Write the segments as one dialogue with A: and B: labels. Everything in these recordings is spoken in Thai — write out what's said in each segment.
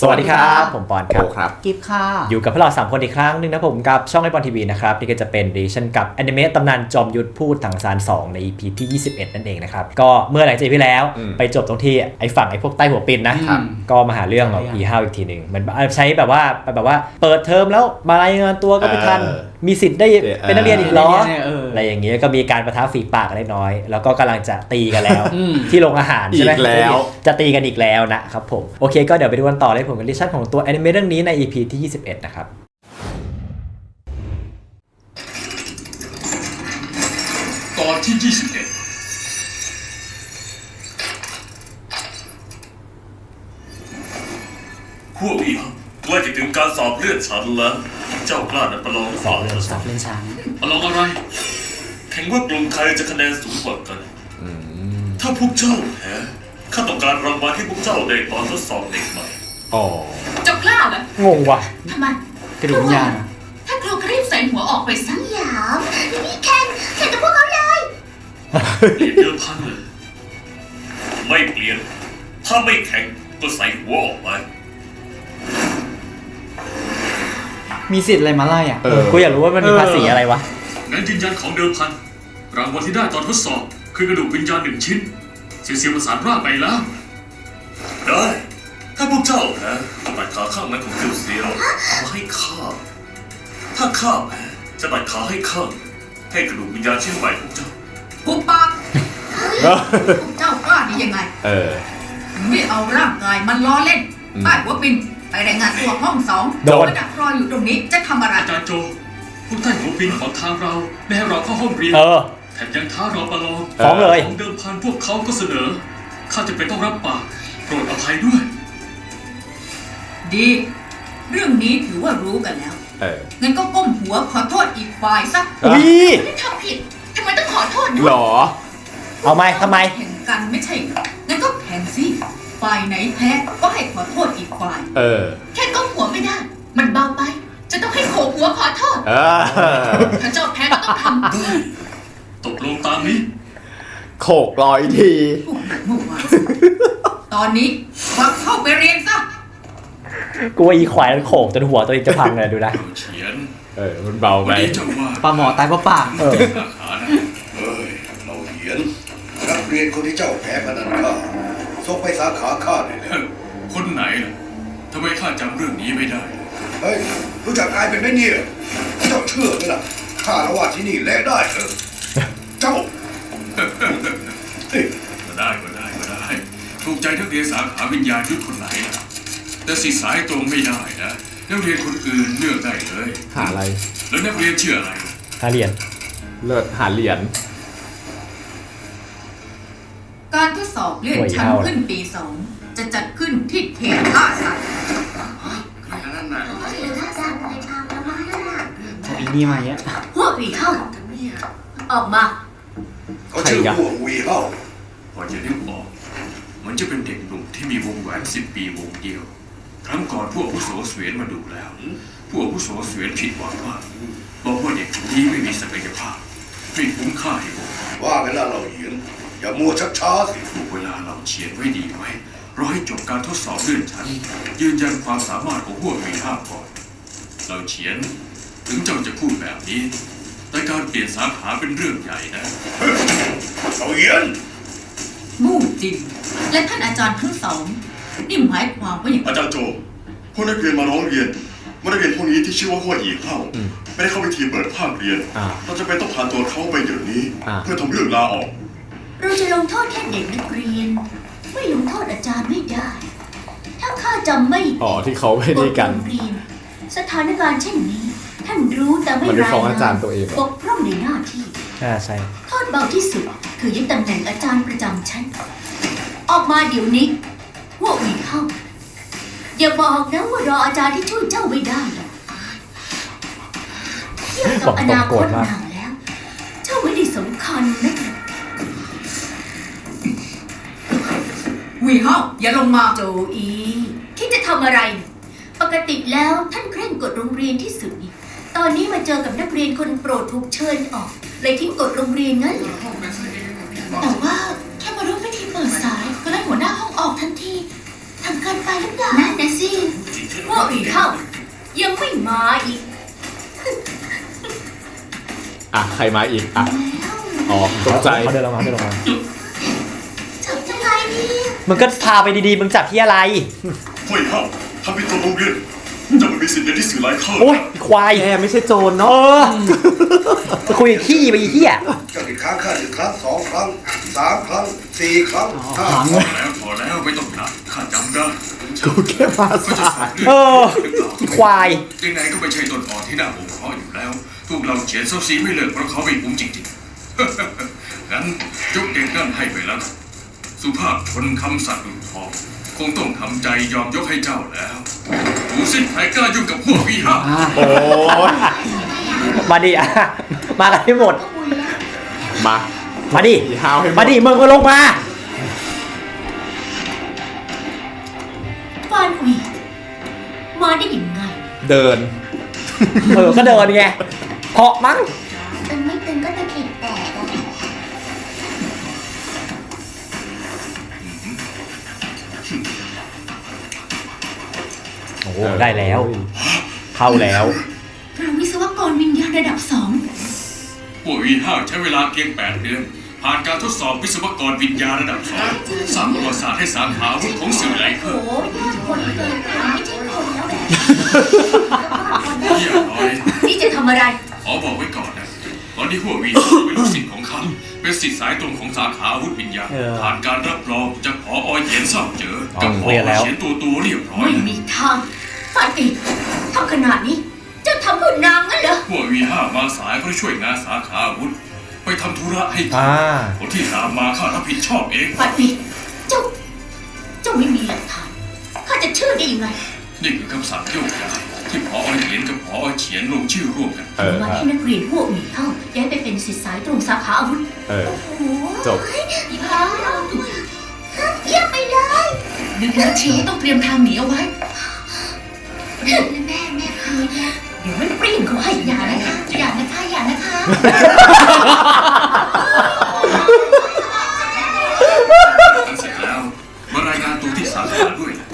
A: สวัสดีครับผมปอนครับ
B: กิฟค่ะ
A: อยู่กับพวกเรา3คนอีกครั้งนึงนะผมกับช่องไอปอนทีวีนะครับนี่ก็จะเป็นรีชั่นกับอนิเมะตำนานจอมยุทธพูดถังซาน2ใน EP ที่21นั่นเองนะครับก็เมื่อหลายปีที่แล้วไปจบตรงที่ไอ้ฝั่งไอ้พวกใต้หัวปินนะก็มาหาเรื่องแบบอีห้าวอีกทีนึงมันใช้แบบว่าเปิดเทอมแล้วมารายงานตัวก็ไม่ทันมีสิทธิ์ได้เป็นนักเรียนอีกเหรออะไรอย่างเงี้ยก็มีการประทะฝีปากเล็กน้อยแล้วก็กำลังจะตีกันแล้วที่โรงอาหารใช่ไหมจะตีกันอีกแล้วนะครับผมโอเคก็เดี๋ยวไปดูกันต่อเลยผมกับรีชั่นของตัวแอนิเมะเรื่องนี้ใน EP ที่21นะครับ
C: ตอนที่21พวกอีกใกล้จะถึงการสอบเลื่อนชั้นแล้วเจ้ากล้านัดประลองสอบเลื่อนชั้นประลองอะไรแข่งว่ากลุ่มใครจะคะแนนสูงกว่ากันถ้าพวกเจ้าแพ้ข้าต้องการรางวัลให้พวกเจ้าได้ตอนทดสอบเด็กใหม่
D: เจ้ากล้าเหรอง
A: งว่ะ
D: ทำไม
B: กระดูกยา
D: ถ้าครูก็รีบใส่หัวออกไปสัก
E: หยามนี่แข่งกับพวกเขาเลย
C: เปลี่ยนเดิมพันเลยไม่เปลี่ยนถ้าไม่แข่งก็ใส่หัวออกไป
B: มีสิทธิ์อะไรมาไล่อ่ะ
A: กูอยากรู้ว่ามันมีภาษีอะไรวะ
C: งั้นยืนยันของเดิมพันรางวัลที่ได้ตอนทดสอบคือกระดูกวิญญาณ1 ชิ้นเสียประสานร่างไปแล้วได้ถ้าพวกเจ้าแพ้ตัดขาข้างนั้นของเซียวเอามาให้ข้าถ้าข้าแพ้จะตัดขาให้ข้างให้กระดูกวิญญาณชิ้นใหม่ของเจ้า
D: หุบปากพวกเจ้ากล้าได้ยังไงไม่เอาร่างกายมันล้อเล่นใต้หัวปินไปรายงานตัวห้อง2โดนดักรออยู่ตรงนี้จะทำอะไร
C: อาจารย์โจพวกท่านหัวปินของทางเราไม่ให้เราเข้าห้องเรียนแถมยังท้าเราประลอง
A: ฟ้องเลย
C: ของเดิมพันพวกเขาก็เสนอข้าจะเป็นต้องรับปากโปรดอภัยด้วย
D: ดีเรื่องนี้ถือว่ารู้กันแล้วงั้นก็ก้มหัวขอโทษอีกฝ่ายซะไม่ได้ทำผิดทำไมต้องขอโทษด้วย
A: หรอเอาไหมทำไม
D: แข่งกันไม่ใช่งั้นก็แข่งสิฝ่ายไหนแพ้ก็ให้ขอโทษอีกฝ่ายแค่ก้มหัวไม่ได้มันเบาไปจะต้องให้โขกหัวขอโทษถ้าเจ้าแพ้ก็ต้องท
C: ำตกลงตามนี้
A: โขก100 ที
D: ตอนนี้วักเข้าไปเรียนซะ
A: กูว่าอีควายมันโขกจนหัวตัวเองจะพังเลยดูนะ
C: เฉียน
A: มันเบาไป
B: ปลาหมอตายเพราะปาก
F: เฮ้ยเราเหียนนักเรียนคนที่เจ้าแพ้พนันข้าส่งไปสาขาข้าเลย
C: คนไหนล่ะทำไมข้าจำเรื่องนี้ไม่ได้
F: เฮ้ยรู้จักอายเป็นไหมเนี่ยเจ้าเชื่อไหมล่ะข้าละว่าที่นี่แลได้เถอะเจ้า
C: ก็ได้ถูกใจนักเรียนสาขาวิญญาณยุทธคนไหนล่ะแต่สิสายตรงไม่ได้นะนักเรียนคนอื่นเลือกได้เลย
A: หาอะไร
C: แล้วนักเรียนชื่ออะไร
A: หาเหรียญเลิศหาเหรียญ
D: การทดสอบเลื่อนชั้นขึ้นปี2จะจัดขึ้นที่เขตล่าสัตว์
B: อีนี่มาเยอะ
D: พวกวีเข้าออกมา
F: เขาชื่อพวกวีเข้า
C: พอจะนึกออกมันจะเป็นเด็กหนุ่มที่มีวงแหวน10 ปีวงเดียวครั้งก่อนพวกผู้โสเสวียนมาดูแล้วพวกผู้โสเสวียนผิดหวังมากบอกว่าเด็กคนนี้ไม่มีศักยภาพไม่คุ้มค่าให้พวก
F: ว่าเวลาเราเหียนอย่ามัวชักช้าสิ
C: ถูกเวลาเราเชียนไว้ดีไว้รอให้จบการทดสอบเลื่อนชั้นยืนยันความสามารถของพวกวีห้าก่อนเราเชียนถึงเจ้าจะพูดแบบนี้แต่การเปลี่ยนสาขาเป็นเรื่องใหญ่นะ
F: เราเหียน
D: มู่จินและท่านอาจารย์ทั้งสองนี่หมายความว่าอย่าง
G: อาจารย์โจพวกนักเรียนมาร้องเรียนว่านักเรียนพวกนี้ที่ชื่อว่าหัวอีเข้าไม่ได้เข้าไปทีเปิดภาคเรียนเราจะเป็นต้องพาตัวเขาไปเดี๋ยวนี้เพื่อทำเรื่องลาออก
E: เราจะลงโทษแค่เด็กนักเรียนไม่ลงโทษอาจารย์ไม่ได้ถ้าข้าจำไม่
A: ที่เขาไม่ได้กัน
E: สถานการณ์เช่นนี้ท่านรู้แต่ไม่รายงานบกพร่องในหน้าที่
A: ใช่
E: โทษเบาที่สุดคือยึดตำแหน่งอาจารย์ประจำชั้นออกมาเดี๋ยวนี้พวกวีเข้าอย่าบอกนะว่ารออาจารย์ที่ช่วยเจ้าไม่ได้เทียบกับอนาคตนางแล้วเจ้าไม่ได้สำคัญนะ
D: วีเข้าอย่าลงมา
E: โจอีคิดจะทำอะไรปกติแล้วท่านเคร่งกฎโรงเรียนที่สุดตอนนี้มาเจอกับนักเรียนคนโปรดถูกเชิญออกเลยทิ้งกฎโรงเรียนงั้นแต่ว่าแค่มาร่วมพิธีเปิดสายก็ไล่หัวหน้าห้องออกทันทีทำเกินไปหรือเปล่านั่นนะสิพวกอีเท่ายังไม่มาอีก
H: อ่ะใครมาอีกอ่ะอ๋อตกใจ
A: เขาเดินลงมา
E: จับยังไงดี
A: มึงก็พาไปดีๆมึงจับที่อะไร
G: ห้วยเฮาทำเป็นตัวโรงเรียนจะไม่มีสิทธิ์เรียนที่สื่อหลายเข้า
A: โอ้ยควาย
H: แกไม่ใช่โจร
A: เอ
H: เนาะ
A: อจะคุยกับขี้ไปอีเหี้ย
F: เจ้าติดค้างค่า1 ครั้ง 2 ครั้ง 3 ครั้ง 4 ครั้ง 5 ครั้ง
C: พอแล้วไม่ต้องถามข้าจำได้
H: กูแค่มา
C: ก็จะ
H: สา
C: สอน
H: ย
C: เรื่
A: เออ
C: หรือเปล่า
A: ควาย
C: ยังไงก็ไม่ใช่ต้นอ่อนที่น่าห่วงเพราะอยู่แล้วพวกเราเขียนเซาซีไม่เลิกเพราะเขาไม่คุ้มจริงๆ งั้นยกเด็กนั่นให้ไปแล้วกันสุภาพชนคำสัตว์ดุจทองคงต้องทำใจยอมยกให้เจ้าแล้วดูสิใครกล้ายุ่งกับพวกวีห้า
H: โอ้ย
A: มาดิอ่ะมากันให้หมด
H: มา
A: มาดิ
H: อีฮาวให้หมด
A: มาดิมึงก็ลงมา
E: ฟานอุยมาได้ยังไง
H: เดิน
A: เออก็เดินไงเหาะมั้ง
E: ตึงไม่ตึงก็ตะเข็บแตกอะ
A: โอ้โหได้แล้ว เข้าแล้ว
E: เราวิศวกรวิญญาณระดับ
C: พวกวีห้าใช้เวลาเพียง8 เดือน ผ่านการทดสอบวิศวกรวิญญาณระดับ2สร้างประวัติศาสตร์ให้สาขาวุฒิของสื่อไหล
E: 2
C: เคอ
E: โอ้
C: ร์
E: ยอดคนเกินไปไม่ใช่คนแล้วแหละ
C: เยี่ยมน้อย
E: นี่จะทำอะไร
C: ขอบอกไว้ก่อนนะตอนนี้พวกวีห้าเป็นลูกศิษย์ของข้าเป็นศิษย์สายตรงของสาขาอาวุธวิญญาณ
A: เออ
C: ผ่านการรับรองจากผอเหยียนเศร้าเจอกับผอ
A: เรียนแล้ว
C: เฉียนตัวเรียบร้อย
E: ไม่มีทางฟานอีทำขนาดนี้เจะทำเพื่อนางงั้นเหรอ
C: พวกวีห้ามาสายเพื่อช่วยงานสาขาอาวุธไปทำธุระให้ข้า
A: อ่า
C: คนที่ตามมาข้ารับผิดชอบเอง
E: ฟานอีเจ้าไม่มีหลักฐานข้าจะเชื่อได้ยังไง
C: นี่คือคำสั่งโยกย้ายที่ผอเหยียนกับผอเฉียนลงชื่อร่วมกัน
H: เออ
E: วันที่นักเรียนพวกหมีเข้าย้ายไปเป็นศิษย์สายตรงสาขาอาวุธ
H: เออ
E: โอ้โห
H: จบ
E: ว้าวเยี่ยมไปเลย
D: นึกแล้วเชียวต้องเตรียมทางหนีเอาไว้
E: แม่คืนนะเดี๋ยวมันปริ่งเขาให้อย่านะคะอย่านะคะอย่านะคะ
C: เสร็จแล้วมารายงานตัวที่สาขาด้วยนะ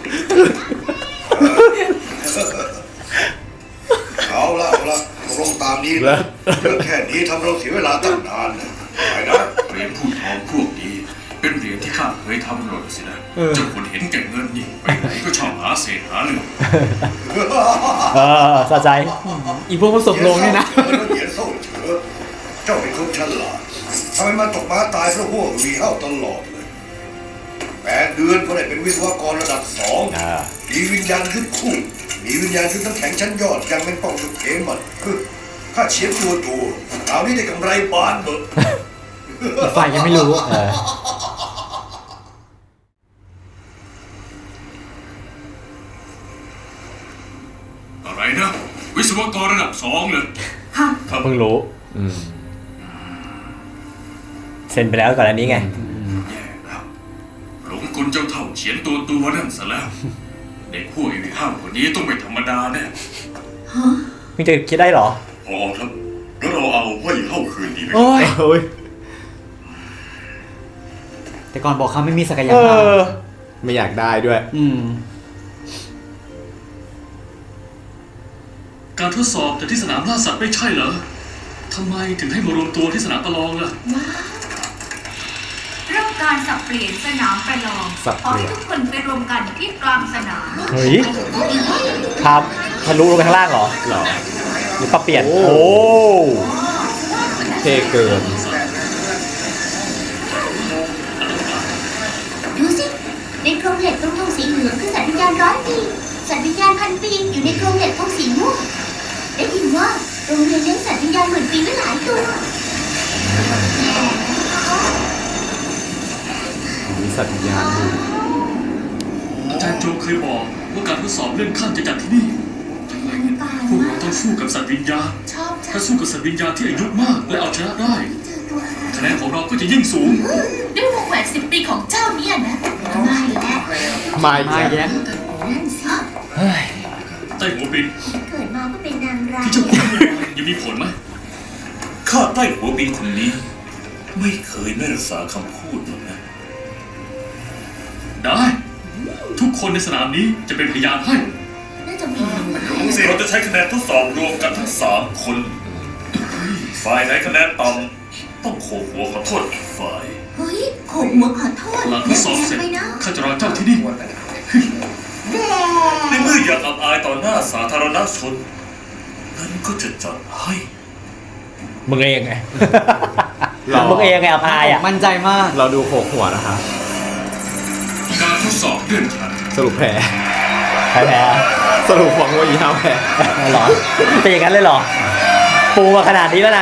F: เอาละตกลงตามนี้
H: แล้
F: นะ
H: ว
F: เรื่องแค่นี้ทำเราเสียเวลาตั้งนานนะไปนะ
C: เหรียญผู้ทองพวกนี้เป็นเหรียญที่ข้าเคยทำหล่นสินะเจ้าคนเห็นแก่เงินนี่ไปไหนก็ชอบหาเศษหาเรื่อง
A: เออสะใจ
B: อีพวกผสมลงเนี่ยนะ
F: เหยียนเศร้าเฉอเจ้าเป็นคนฉลาดทำไมมาตกม้าตายเพราะพวกวีเฮ้าตลอดเลย8 เดือนก็ได้เป็นวิศวกรระดับ
A: อ่า
F: 2มีวิญญาณขึ้นคู่มีวิญญาณขึ้นทั้งแข็งชั้นยอดยังเป็นป้องสุดเขมันข้าเชียร์ตัวคราวนี้ได้กำไรบานเบอะ
B: อีกฝ่ายยังไม่รู้
A: เออ
C: อะไรนะ วิศวกรระดับ2เลย
D: ฮะ
C: ครับ
A: เพิ่งรู้
H: อืม
A: เซ็นไปแล้วก่อนอันนี้ไง
C: แย่แล้วหลงกลเจ้าเท่าเขียนตัวนั่นซะแล้ว เด็กพวกอีห้าคนนี้ต้องไม่ธรรมดาแน่
A: มึงจะคิดได้เหรอ
G: พอครับแล้วเราเอาห้วยเฮาคืนดีไหม
B: โอ้ย
H: โอ้ย
B: แต่ก่อนบอกเขาไม่มีศักย
A: เอ
B: ภาพ
A: อ
H: ไม่อยากได้ด้วย
C: การทดสอบแต่ที่สนามล่าสัตว์ไม่ใช่เหรอทำไมถึงให้มารวมตัวที่สนามประลองล่ะ
D: เริ่มการสับเปลี่ยนสนามประลอง
H: สับ
D: ขอ
H: เปลี่
D: ให้
H: ยน
D: ทุกคนไปรวมกันที่กลางสนาม
A: เฮ้ยครับทะลุลงไปข้างล่างเหรอ
H: หรอ
A: หรือปรับเปลี่ยน
H: โอ้
A: โอ้
H: เท่เกิน
E: ดูสิในโครงเหล็กตรงธงสีเหลืองคือสัตว์วิญญาณ100 ปีสัตว์วิญญาณ1,000 ปีอยู่ในโครงเหล็กธงสีม่วงได้ยินว่าโรงเรียนเลี้ยงสัตว์วิญญาณ10,000 ปีไว้หลายตัว
H: มีสัตว์วิญญาณอยู่
C: อาจารย์โจเคยบอกว่าการทดสอบเลื่อนขั้นจะจัดที่นี่พวกเราต้องสู้กับสัตว์วิญญาณ
E: ชอบจั
C: ถ้าง สู้กับสัตว์วิญญาณที่อายุมากและเอาชนะได้
E: เจอตัวอะไร
C: คะแนนของเราก็จะยิ่งสูง
D: ด้วยวงแหวน10 ปีของเจ้าเนี่ยนะ
E: ไม่แล้ว
H: มาอีก
B: มา
H: แล้ว
B: แย้ม
E: นั่นสิ
C: ใต้หัวบิน
E: เกิดมาก็เป็นนางร้าย
C: ที่เจ้าพูดยังมีผลไหม
I: ข้าใต้หัวบินคนนี้ ไม่เคยไม่รักษาคำพูดหรอกนะ
C: ได้ทุกคนในสนามนี้จะเป็นพยานให้
E: น่าจะมี
I: เราจะใช้คะแนนทดสอบรวมกันทั้ง3 คน ฝ่ายไหนคะแนนต่ำต้องโขกหัวขอโทษอีกฝ่าย
E: เฮ้ยโขกหัวขอโทษ
C: หลังทดสอบเสร็จ
E: ไปนะ
C: ข้าจะรอเจ้าที่นี่
I: ในเมื่ออยากอับอายต่อหน้าสาธารณชนนั้นก็จะจัดให้
A: มึงเองไง มึงเองไงอภัยอ่ะ
B: มั่นใจมาก
H: เราดูโขกหัวนะคะ
C: การทดสอบเลื่อนชั้น
H: สรุปแพ้
A: ใครแพ้
H: สรุปของว่าอีห้าแพ้
A: หรอเป็นอย่างนั้นเลยเหรอ ปูมาขนาดนี้แล้วนะ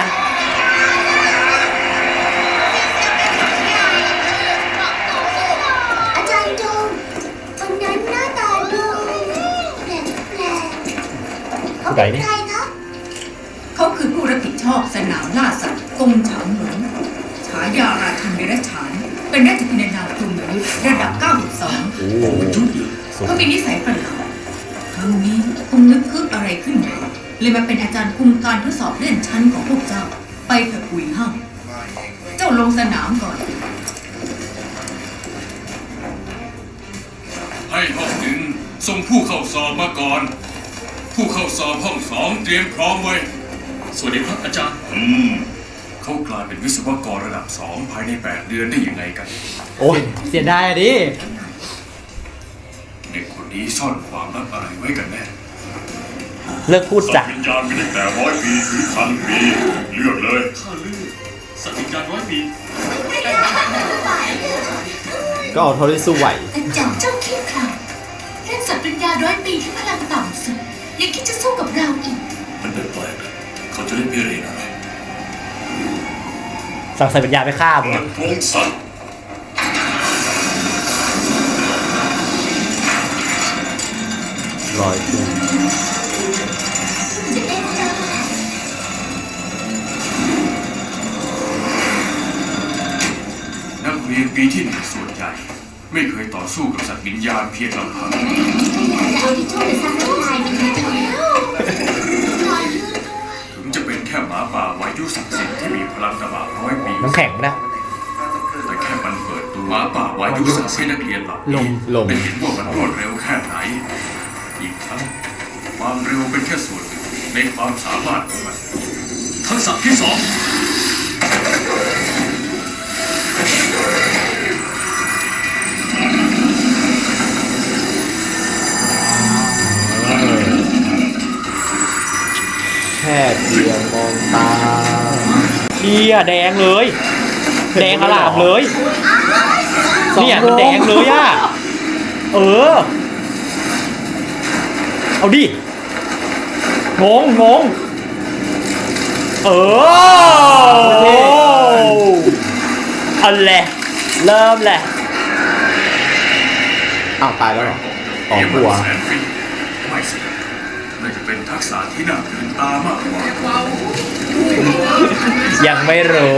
E: อาจารย์จงวันนั้นหน้าตาดูแปลกๆเขาเป็นใครคะ
D: เขาคือผู้รับผิดชอบสนามล่าสัตว์กงฉางหลงฉายาราชันเดรัจฉาน เป็นราชธินานากลุ่มยุทธระดับ 92
H: โอ้โห
D: เขามีนิสัยประหลาดครั้งนี้คงนึกคึกอะไรขึ้นมาเลยมาเป็นอาจารย์คุมการทดสอบเลื่อนชั้นของพวกเจ้า ไปเถอะกุยห้างเจ้าลงสนามก่อน
C: ให้ห้องหนึ่งส่งผู้เข้าสอบมาก่อน ผู้เข้าสอบห้อง2เตรียมพร้อมไว้ สวัสดีครับอาจารย์เขากลายเป็นวิศวกรระดับ 2 ภายใน 8 เดือนได้ยังไงกัน
B: โอ้ยเสียดายอะดิ
C: เด็กคนนี้ซ่อนความลับอะไรไว้กันแน่
A: เลิกพูด
G: สั
A: จ้ะ
G: ตว์วิญญาณมีตั้งแต่100 ปีถึง1,000 ปีเลือกเลย
C: ข้าลือสัตว์วิญญาณ100 ปี
H: ก็เอาเท่าที่สู้ไหว
E: อาจารย์เจ้าขี้ขลาดเล่นสัตว์ปัญญา100 ปีที่พลังต่ำสุดยังคิดจะสู้กับเราอีก
I: มันแปลกๆนะเขาจะเล่นพิเรนอะไร
A: สั่งใส่ปัญญาไปฆ่ามึง
G: เปิ
A: อะ
G: ดวงสัตว์
H: ร้อยปี
E: จะเล่นได้
C: นักเรียนปีที่ 1 ส่วนใหญ่ ไม่เคยต่อสู้กับสัตว์วิญญาณเพียงลำพัง
E: เอาที่ช่วยสร้างลายมันแล้วลายลื่นด้วย
C: ถึงจะเป็นแค่หมาป่าวายุศักดิ์สิทธิ์ที่มีพลังตบะ100 ปี
A: น้ำแข็งนะ
C: แต่แค่มันเปิดตัวหมาป่าวายุศักดิ์สิทธิ์ให้นักเรียนเหล่า
B: ล
C: นี้
B: ม
H: ลม
C: ได้เห็นว่ามันรวดเร็วแค่ไหน อีกทั้งความเร็วเป็นแค่ส่วนหนึ่งในความสามารถของมัน ทักษะที่ 2
H: แค่เพียงมองตา
A: เชี่ยแดงเลย แดงอลามเลย เนี่ยมันแดงเลยอ่ะ เออ เอาดิ งง เออเอาแหละเริ่มแหละ
H: อ้าวตายแล้วเหรออ๋อ
C: เดี๋ยว
H: กลัว
C: มันแสนฟิตไม่สิน่าจะเป็นทักษะที่น่าตื่นตามากกว่า
A: ยังไม่รู้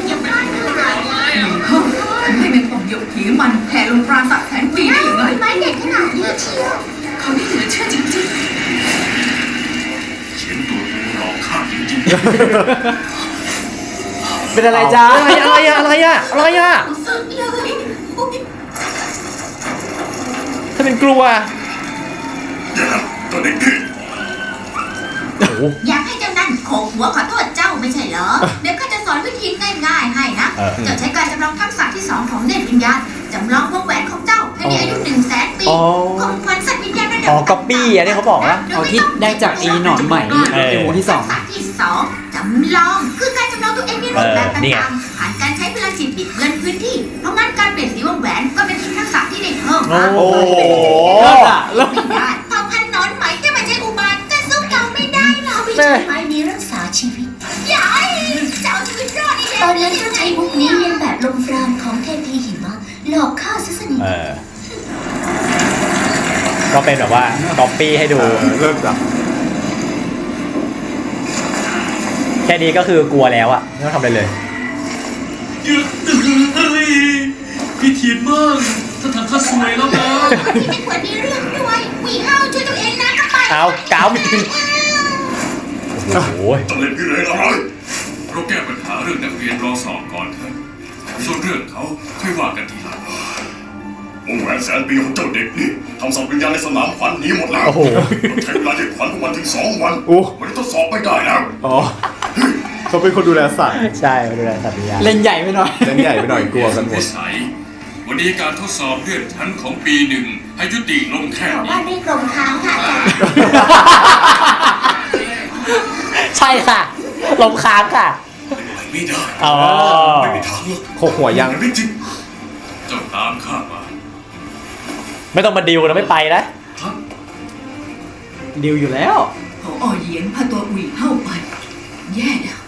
D: ไม่เป็นผมยกผีมันแผ่ลงปราสาทแสนปีได้ยังไง
E: ไม้เด็ดขนาดนี้เชียว
D: เขาไม่เหลือเชื่อจริง
C: เขียนตัวกูหลอกข้าจริง
B: เป็นอะไรจ้า
A: อะไรอ่ะ
E: สุดเลย
A: ถ้าเป็นกลัว
G: อย่านะตัวเด็กดื้อ
A: โอ้โห
E: อยากให้เจ้านั่นโขกหัวขอโทษเจ้าไม่ใช่เหรอ เดี๋ยวข้าจะสอนวิธีง่ายๆให้นะ เจ้าใช้การจำลองทักษะที่ 2 ของเนตรวิญญาณจำลองวงแหวนของเจ้าให้มีอายุ100,000 ปี
A: อ๋อ
E: ของขวัญสัตว์วิญญาณระดับ
A: อ๋อ copy อันนี้เขาบอกว่า
B: เอาที่ได้จากอีหนอนใหม่ในวงที่
E: ทักษะที่ 2 จำลองคือการจำลองตัวเองในรูปแบบ
A: นี่ไง
E: ต่างๆผ่านการใช้พลังจิตบิดเบือนพื้นที่ เพราะงั้นการเปลี่ยนสีวงแหวนก็เป็นอีกทักษะที่ได้เพิ่มมา
A: โอ้โห
B: เลิศอะเลิศ
E: ไม่ได้เผ่าพันธุ์หนอนไหมจะมาใช้อุบาทจะสู้เราไม่ได้เราวิชาไม้นี้รักษาชีวิตยายจะเอาชีวิตรอดนี่แหละ
J: ตอนนั้นเขาใช้มุกนี้เลียนแบบลมปราณของเทพีหิมะหลอกข้าซะสนิท
A: เออ ก็เป็นแบบว่าก๊อปปี้ให้ดู
H: เริ่มจาก
A: แค่นี้ก็คือกลัวแล้วอะไม่ต้องทำอะไรเลย
C: ๆเยอะเลยพี่เทียนมากถ้าทำข้าสวยแล้วนะ
E: ที่ไม่ควรมีเรื่องด้วยหวีเฮาช่วยตัวเองนะก็ไป
A: เอากาวโอ้โห
G: ต้องเล่นพิเรนอะไร
C: เราแก้ปัญหาเรื่องนักเรียนรอสอบก่อนเถอะส่วนเรื่องเขาค่อยว่ากันทีหลัง
G: วงแหวนแสนปีของเจ้าเด็กนี่ทำสัตว์วิญญาณในสนามขวัญหนีหมดแล้วต้องใช้เวลาเด็กขวัญพวกมันถึง2 วันมันทดสอบไม่ได้แล้ว
H: อ๋อเขาเป็นคนดูแลสัตว์
A: ใช่ดูแลสัตว์วิญญาณ
B: เล่นใหญ่ไปหน่อย
H: เล่นใหญ่ไปหน่อยกลัวกันหมด
C: วันนี้การทดสอบเลื่อนชั้นของปี 1ให้ยุติลงแค่
J: ชาว
C: นี้
J: บ้านเรียกลมค้างค่ะอาจารย์
A: ใช่ค่ะลมค้างค่ะ
C: ไม่ได้
A: อ๋อ
C: ไม่มีทางหรอก
H: โคกหัวยัง
C: ไม่จริงเจ้าตามข้ามา
A: ไม่ต้องมาดิวนะไม่ไปนะ
C: ครับ
B: ดิวอยู่แล้ว
D: ผอเหยียนพาตัวอุ๋ยเข้าไปแย่แล้ว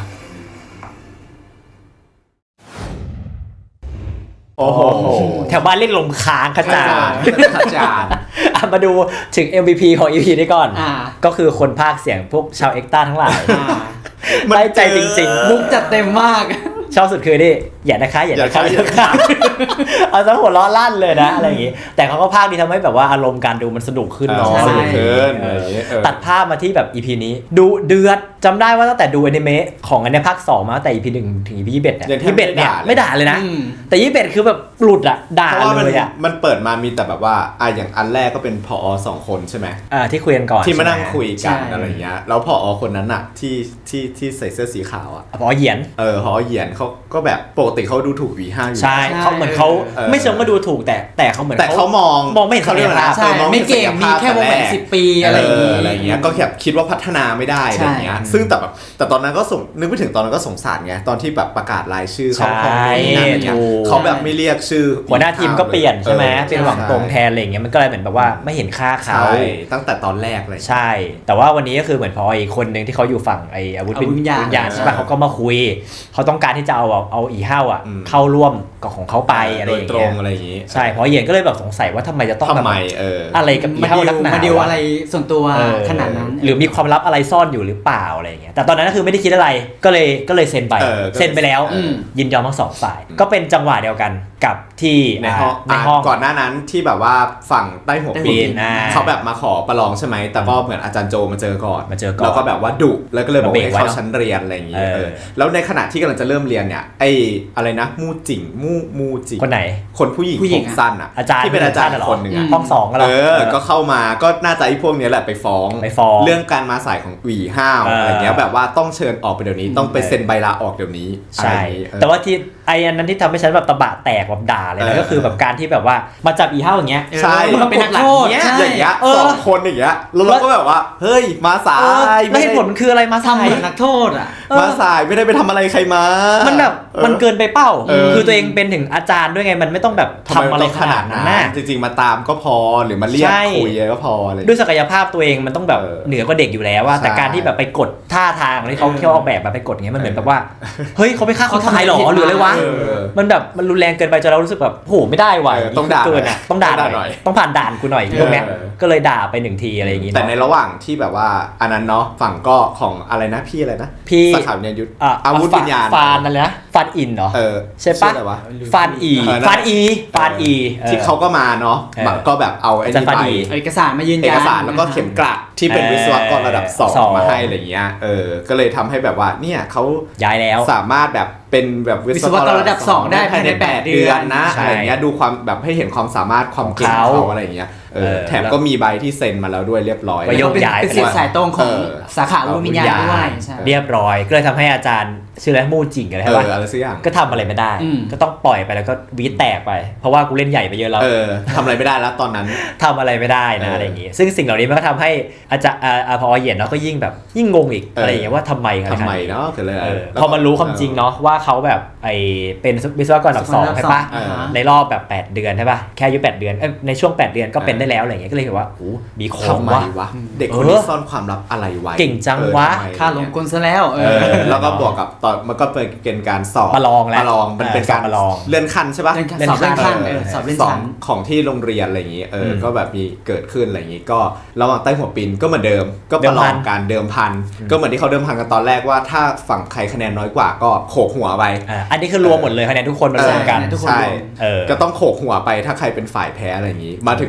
H: โอ้โห
A: แถวบ้านเรียกลมค้างขจาร
H: ขจาร
A: มาดูถึง MVP ของ EP นี้ก่อน
B: อ่า
A: ก็คือคนพากย์เสียงพวกชาวเอ็กต้าทั้งหลาย
H: มัน
A: ได้ใจจริง
B: มุกจัดเต็มมาก
A: ๆ ชอบสุดคือนี่อย่านะคะอย่านะคะ
H: อย่านะคะ
A: เอาซะหัวล้อลั่นเลยนะอะไรอย่างงี้ แต่เขาก็พากย์ดีทำให้แบบว่าอารมณ์การดูมันสนุกขึ้นเนาะ
H: สนุกขึ้น
A: เออ
H: อะไรอย่างเงี้ย
A: ตัดภาพมาที่แบบ EP นี้ดูเดือดจำได้ว่าตั้งแต่ดูอนิเมะของอันเนี้ยภาค 2 มาตั้งแต่ EP 1 ถึง EP 21เนี่ย
H: ยังแทบ
A: 21เนี่ย
H: ไม่
A: ไม่
H: ด่า
A: ด่าเลยนะ
B: อืม
A: แต่21คือแบบหลุดอะด่า
H: เพราะว่ามัน
A: เลยอะ
H: มันเปิดมามีแต่แบบว่าอย่างอันแรกก็เป็นผอ2 คนใช่ไหม
A: ที่คุยกันก่อน
H: ที่มานั่ง
A: ใช่ไห
H: คุยกัน
B: ใช่
H: อะไรอย่างเงี้ยแล้วผอคนนั้นอะที่ใส่เสื้อสีขาวอะ
A: พอเหยียน
H: ผอเหยียนเขาก็แบบปกติเขาดูถูกวีห้าอยู่
A: ใช่เขาเหมือนเขา
H: เออ
A: ไม่เชิงว่าดูถูกแต่เขาเหมือน
H: แต่เขามอง
A: ไม่เห็นศักยภาพ
B: ใช่ไม่เก่งมีแค่วงแหวน10 ปีอะไรอย่างงี้
H: อะไรอย่างเงี้ยก็แบบคิดว่าพัฒนาไม่ได้อะไรอย่างเงี้ย
B: ใช่
H: ซึ่งแต่ตอนนั้นก็นึกไปถึงตอนนั้นก็สงสารไงตอนที่แบบประกาศรายชื่อเขา
A: ใช่
H: ของนี่นั่นอะไรเงี้ย
A: ถูก
H: เขาแบบไม่เรียกชื่อ
A: หัวหน้าทีมก็เปลี่ยนใช่ไหม
H: ออ
A: เป็นหวังตรงแทนอะไรอย่างเงี้ยมันก็เลยเหมือนแบบว่าไม่เห็นค่าเขา
H: ใช่ตั้งแต่ตอนแรกเลย
A: ใช่ แต่ว่าวันนี้ก็คือเหมือนพออีกคนหนึ่งที่เขาอยู่ฝั่งไอ้อาวุธ
B: อาวุธวิญญาณ
A: ใช่ปะเขาก็มาคุยเขาต้องการที่จะเอาอีเห้าอ่ะ
H: อืม
A: เข้าร่วมกับของเขาไปอะไร
H: โด
A: อย ย่าง
H: ตร
A: เงี้
H: ง
A: ย
H: อะไรอย่างงี้
A: ใช่พอเหยียนก็เลยแบบสงสัยว่าทำไมจะต้อง
H: ทำไม
A: แบบอะไรกับอี
B: มา
A: เห้า
B: ดิว
A: นักหนา
B: มาดิว
A: วะ
B: อะไรส่วนตัว
A: เออ
B: ขนาดนั้น
A: หรือมีความลับอะไรซ่อนอยู่หรือเปล่าอะไรอย่างเงี้ยแต่ตอนนั้นก็คือไม่ได้คิดอะไรก็เลยเซ็นไป เซ็นไปแล้ว
B: อืม
A: ยินยอมทั้งสองฝ่าย ก็เป็นจังหวะเดียวกันกับที่
H: ในห้อง
A: ในห้อง
H: ก่อนหน้านั้นที่แบบว่าฝั่งใต้หัวปีน
A: อ่า
H: เขาแบบมาขอประลองใช่ไหมแต่ก็เหมือนอาจารย์โจมาเจอก่อน
A: แล้ว
H: ก็แบบว่าดุแล้วก็เลยบอก
A: มาเบรก
H: ให้
A: ไว้
H: เข้า
A: เนอะ
H: ชั้นเรียนอะไรอย่างงี้
A: เออ
H: แล้วในขณะที่กำลังจะเริ่มเรียนเนี่ยไอ้อะไรนะมูจิง
A: คนไหน
H: คนผู้หญิง
B: ผู้หญิง
H: ผม
B: อะ
H: สั้นอ่ะ
A: อาจารย์
H: ที่เป็นอาจารย์
A: เหรอ
H: คนหนึ่งอ่ะ
A: ห้อง2ก็เหรอ
H: ก็เข้ามาก็น่าจะไอ้พวกเนี้ยแหละไปฟ้อง เรื่องการมาสายของหวีห้าว
A: เอออ
H: อะไรเงี้ยแบบว่าต้องเชิญออกไปเดี๋ยวนี้ต้องไปเซ็นใบลาออกเดี๋ยวนี้อะไร
A: ใช่
H: อย่างงี้เออ
A: แต่ว่าที่ไอ้อันนั้นที่ทำให้ฉันแบบตะบะแตกแบบด่าเลย
H: เอ
A: นะ
H: อ
A: ก็คือแบบการที่แบบว่ามาจับอีเห้าอย่างเงี้ย
H: ใช่
A: มันเป็นนักโทษ
B: ใช่
H: อย่างเงี้ย
A: เออ
H: สองคนอย่างเงี้ยแล้วเราก็แบบว่าเฮ้ยมาสาย
A: แล้วเหตุผลมันคืออะไรมา
B: ทำ
A: ทำ
B: เหมือนนักโทษอ่ะ
H: มาสายไม่ได้ไปทำอะไรใครมา
A: มันแบบ
H: ออ
A: มันเกินไปเป้า
H: เออ
A: คือตัวเองเป็นถึงอาจารย์ด้วยไงมันไม่ต้องแบบทำอะไรขนาดนั้นนะ
H: จริงๆมาตามก็พอหรือมาเรียก
A: ใช่
H: คุยก็พออะไร
A: ด้วยศักยภาพตัวเองมันต้องแบบ
H: เออ
A: เหนือกว่าเด็กอยู่แล้วว่า
H: ใช่
A: แต่การที่แบบไปกดท่าทางที่เขาออกแบบมาไปกดอย่างเงี้ยมันเหมือนแบบว่าเฮ้ยเขาไปฆ่าคนตายหรอหรืออะไรวะ
H: เออ
A: มันแบบมันรุนแรงเกินไปจนเรารู้สึกแบบโหไม่ได้ว่ะ
H: ต้องด่า
A: เกินอ่ะต้องด่าห
H: หน่
A: น่อ
H: อย
A: ยต้องผ่านด่านกูหน่อยพวกเนี้ย
H: เออ
A: ก็เลยด่าไปหนึ่งทีอะไรอย่างงี้
H: แต่
A: เนาะ
H: ในระหว่างที่แบบว่าอันนั้นเนาะฝั่งก็ของอะไรนะพี่อะไรนะ
A: พี่
H: สาขาวิญญาณยุทธอาวุธวิญญาณ
A: ฟานนั่นเลยนะฟานอินเหรอ ใช่ปะ
H: ชื่ออะไรวะ
A: ฟานอี
H: เออนั่นแหละ
A: ฟานอีฟานอีออ
H: ที่เขาก็มาเนาะ
A: เออ
H: ก็แบบเอาไอ้
A: อาจารย์
H: นี่
A: ฟา
H: ไป
A: ดี
B: เอาเอกสารมายืนยัน
H: เอกสารแล้วก็เข็มกลัดที่เป็น
A: เออ
H: วิศวกรระดับ
A: สอง
H: 2มาให้อะไรเงี้ยก็เลยทำให้แบบว่าเนี่ยเขา
A: ย้ายแล้ว
H: สามารถแบบเป็นแบบวิศวกรระดับ 2ได้ภายใน8 เดือนนะ
A: ใช่
H: อะไรเงี้ยดูความแบบให้เห็นความสามารถความเก่งของเขาอะไรเงี้ยแถมก็มีใบที่เซ็นมาแล้วด้วยเรียบร้อย
A: ไปยก
B: เป็น
A: ย้าย
B: เป็นสิทธิ์สายตรงของสาขาอาวุธวิญญาณด้วยใช่
A: เรียบร้อยก็เลยทำให้อาจารย์ชื่ออะไรมูจิงอะไรใช่ปะ
H: อะไรสักอย่าง
A: ก็ทำอะไรไม่ได้
B: อืม
A: ก็ต้องปล่อยไปแล้วก็วีดแตกไป เพราะว่ากูเล่นใหญ่ไปเยอะแล้ว
H: ทำอะไรไม่ได้แล้วตอนนั้น
A: ทำอะไรไม่ได้นะอะไรอย่างงี้ ซึ่งสิ่งเหล่านี้มันก็ทำให้อาจารย์พอเหยียนเนาะก็ยิ่งแบบยิ่งงงอีกอะไรอย่างเงี้ยว่าทำไมอะไร
H: ทำไม
A: ขนาดนี้
H: เนาะคืออะไร
A: พอมันรู้ความจริงเนาะว่าเขาแบบเป็นวิศวกรระดับ 2ใช่ปะ
B: อ่าฮะ
A: ในรอบแบบ8เดือนใช่ปะแค่อายุ8เดือนในช่วง8เดือนก็เป็นได้แล้วอะไรอย่างเงี้ยก็เลยแบบว่าโอ้มีขอ
H: ทำ
A: ง
H: ไม
A: วะ
H: วะเด็กคนนี้ซ่อนความลับอะไรไว้
A: เก่งจังวะ
H: ทำไม
B: ค่าลงกลซะแล้ว
H: แล้วก็บวกกับตอนมันก็เป็นการสอบ
A: ประลองแล้ว
H: ประลองมันเป็นการ
A: สอบประลอง
H: เลื่อนขั้นใช่ปะ
B: เลื่อนขั้นสอบเลื่อนชั้น
H: ของที่โรงเรียนอะไรอย่างงี้
A: ม
H: ก็แบบมีเกิดขึ้นอะไรอย่างงี้ก็ระหว่างใต้หัวปีนก็เหมือนเดิมก็ประลองการเดิมพันก็เหมือนที่เขาเดิมพันกันตอนแรกว่าถ้าฝั่งใครคะแนนน้อยกว่าก็โขกหัวไป
A: อันนี้คือรวมหมดเลยคะแนนทุกคนมารวมกัน
B: ทุกคน
H: ใช่
B: รวม
A: เออ
H: ก็ต้องโขกหัวไปถ้าใครเป็นฝ่ายแพ้อะไรอย่างงี้ มาถึงก็อี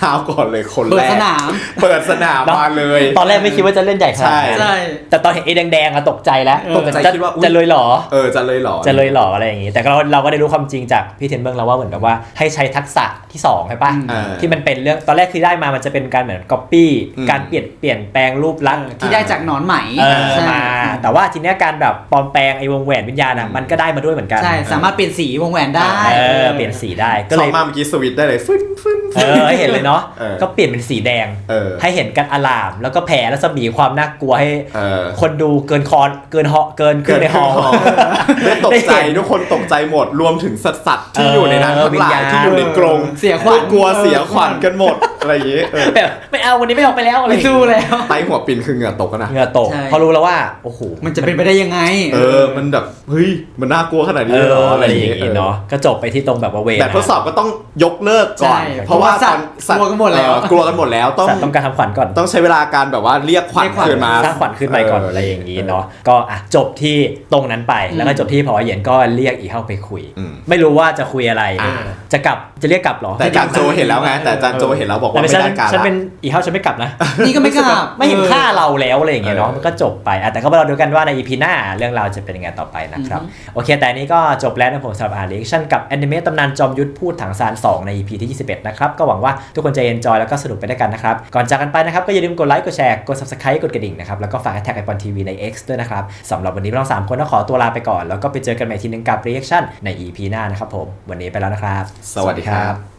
H: ห้าวก่อนเลยคน
B: เปิ
H: แร
B: ด
H: ก
B: สนาม
H: เปิดสนามมาเลย
A: ตอนแรกไม่คิดว่าจะเล่นใหญ่ขนาดนั้น
B: ใช่
A: แต่ตอนเห็นไอ้แดงๆอะตกใจแล้ว
H: ตกใจคิดว่าอุ๊ย
A: จะเลยเหรอ
H: จะเลยเหรอ
A: จะเลยเหรออะไรอย่างงี้แต่เราก็ได้รู้ความจริงจากพี่เทนเบิร์กแล้วว่าเหมือนกับว่าให้ใช้ทักษะที่2ใช่ปะที่มันเป็นเรื่องตอนแรกคือได้มามันจะเป็นการเหมือนก๊อปปี้การเปลี่ยนแปลงรูปลักษณ์
B: ที่ได้จากหนอนไหมใช่
A: มาแต่ว่าทีเนี้ยการแบบปลอมแปลงไอ้วงแหวนวิญญาณอ่ะมันก็ได้มาด้วยเหมือนกัน
B: ใช่สามารถเปลี่ยนสีวงแหวนได้
A: เปลี่ยนสีได้ก็
H: ก็
A: เล
H: เลย ยมาเมื่อกี้สวิตช์ได้เลยฟึ้น
A: ให้เห็นเลยเนาะ
H: เออ
A: ก็เปลี่ยนเป็นสีแดง ให้เห็นกันอลามแล้วก็แผ่แล้วสมีความน่ากลัวให้คนดูเกินขึ้นในฮอลล์
H: ได้ตกใจทุกคนตกใจหมดรวมถึงสัตว์ที่อยู่ในนั้นทั้งหลายที่อยู่ในกรง
B: เสียขวัญ
H: กลัวเสียขวัญกันหมดอะไรอย่างงี้
A: แบบไม่เอาวันนี้ไม่ออกไปแล้วอะไร
B: ไม่สู้แล้ว
H: ไตหัวปินคือเหงื่อตกนะ
A: เหงื่อตก
B: ใช่
A: พอรู้แล้วว่าโอ้โห
B: มันจะเป็นไปได้ยังไง
H: มันแบบเฮ้ยมันน่ากลัวขนาดนี้เลยเหรอ
A: อะ
H: อะไร ไร
A: อ
H: อย่าง
A: ย่าง
H: งี้
A: งี้เนาะก็จบไปที่ตรงแบบว่าเวร
H: แบบทดสอบก็ต้องยกเลิกก่อน
B: ใช่
H: เพราะว่า
B: เพราะว่าสัตว์
H: ตอน
B: กลัวกันหมดแล้ว
H: กลัวกันหมดแล้ว
A: ต้องการทำขวัญก่อน
H: ต้องใช้เวลาการแบบว่าเรียกขวัญคืนมา
A: สร้างขวัญขึ้นไปก่อนอะไรอย่างนี้เนาะก็จบที่ตรงนั้นไปแล้วก็จบที่พอเหยียนก็เรียกอีเข้าไปคุย ไม่รู้ว่าจะคุยอะไรจะเรียกกลับหรอ
H: แต่จานโจเห็นแล้วไงแต่จานโจเห็นแล้วบอกว่าไม่ได้การ
A: ฉัน
H: ละ
A: เป็นอีเข้าฉันไม่กลับนะ
B: นี่ก็ไม่กล้า
A: ไม่เห็นค่าเราแล้วอะไรอย่างเงี้ยเนาะมันก็จบไปแต่ก็มาเราดูกันว่าใน EP หน้าเรื่องราวจะเป็นยังไงต่อไปนะครับโอเคแต่นี้ก็จบแล้วนะผมสำหรับรีแอคชั่นกับแอนิเมะตำนานจอมยุทธพูดถังซาน2ใน EP ที่21นะครับก็หวังว่าทุกคนจะเอนจอยแล้วก็สนุกไปด้วยกันนะครับก่อนจากกันไปนะครับก็อย่าลืมกดไลค์กดแชร์กด Subscribe กดกระดิ่งนะครับแล้วก็ฝากแท็กไอปอนทีวีใน X ด้วยนะครับสำหรับวันนี้เรา3คนต้องขอตัวลาไปก่อนแล้วก็ไปเจอกันใหม่ทีนึงกับรีแอคชั่นใน EP หน้านะครับผมวันนี้ไปแล้วนะครับ
H: สวัสดีครับ